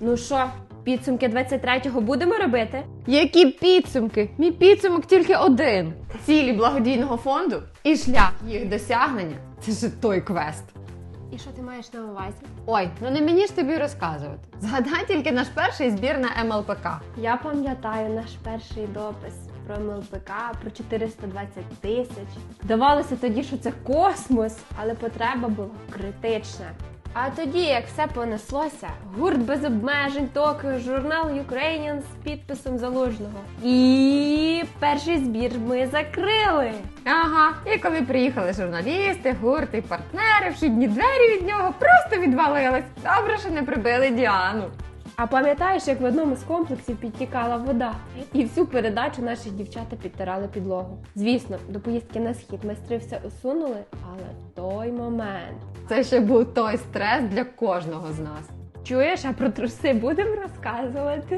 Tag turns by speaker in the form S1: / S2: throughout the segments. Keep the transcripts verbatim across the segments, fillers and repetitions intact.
S1: Ну що, підсумки двадцять третього будемо робити?
S2: Які підсумки? Мій підсумок тільки один. Цілі благодійного фонду і шлях їх досягнення – це ж той квест.
S1: І що ти маєш на увазі?
S2: Ой, ну не мені ж тобі розказувати. Згадай тільки наш перший збір на ем ел пе ка.
S1: Я пам'ятаю наш перший допис про ем ел пе ка, про чотириста двадцять тисяч. Здавалося тоді, що це космос, але потреба була критична. А тоді, як все понеслося, гурт без обмежень, Токіо, журнал Ukrainian з підписом Залужного. І перший збір ми закрили.
S2: Ага, і коли приїхали журналісти, гурти, партнери, вхідні двері від нього просто відвалились. Добре, що не прибили Діану.
S1: А пам'ятаєш, як в одному з комплексів підтікала вода? І всю передачу наші дівчата підтирали підлогу. Звісно, до поїздки на схід майстри все усунули, але в той момент...
S2: Це ще був той стрес для кожного з нас.
S1: Чуєш, а про труси будемо розказувати?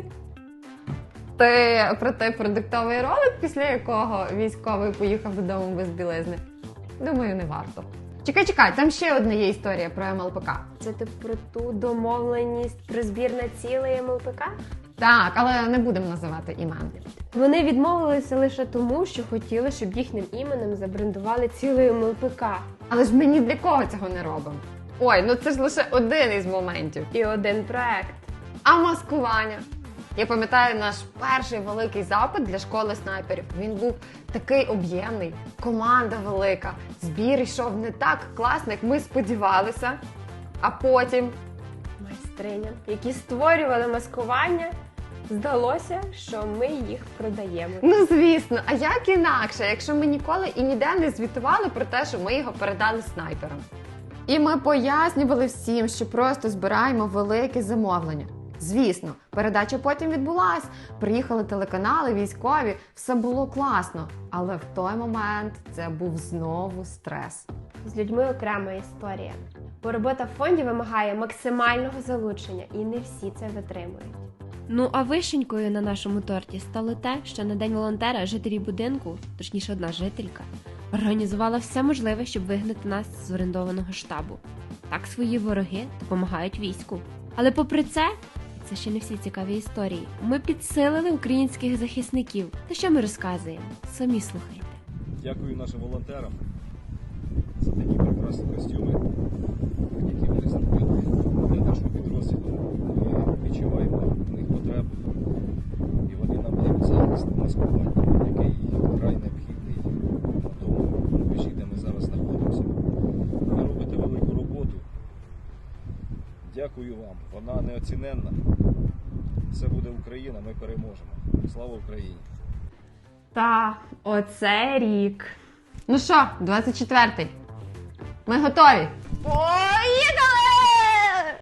S2: Ти про той продуктовий ролик, після якого військовий поїхав додому без білизни? Думаю, не варто. Чекай, чекай, там ще одна є історія про ем ел пе ка.
S1: Це ти про ту домовленість про збір на цілий ем ел пе ка?
S2: Так, але не будемо називати імен.
S1: Вони відмовилися лише тому, що хотіли, щоб їхнім іменем забрендували цілий ем ел пе ка.
S2: Але ж ми ні для кого цього не робимо. Ой, ну це ж лише один із моментів.
S1: І один проект.
S2: А маскування? Я пам'ятаю наш перший великий запит для школи снайперів. Він був такий об'ємний, команда велика, збір йшов не так класно, як ми сподівалися. А потім...
S1: Майстриням, які створювали маскування, здалося, що ми їх продаємо.
S2: Ну, звісно, а як інакше, якщо ми ніколи і ніде не звітували про те, що ми його передали снайперам. І ми пояснювали всім, що просто збираємо велике замовлення. Звісно, передача потім відбулась, приїхали телеканали, військові, все було класно. Але в той момент це був знову стрес.
S1: З людьми окрема історія. Бо робота в фонді вимагає максимального залучення, і не всі це витримують. Ну а вишенькою на нашому торті стало те, що на День волонтера жителі будинку, точніше одна жителька, організувала все можливе, щоб вигнати нас з орендованого штабу. Так свої вороги допомагають війську. Але попри це, це ще не всі цікаві історії. Ми підсилили українських захисників. Та що ми розказуємо? Самі слухайте.
S3: Дякую нашим волонтерам за такі прекрасні костюми, які вони зробили для нашого підрозділу. Ми відчуваємо в них потребу, і вони нам дають захист маскування, який вкрай необхідний на тому рубежі, де ми зараз знаходимося. Ви робите велику роботу. Дякую вам. Вона неоціненна. Це буде Україна, ми переможемо. Слава Україні!
S1: Та, оце рік.
S2: Ну що, двадцять четвертий? Ми готові?
S1: О!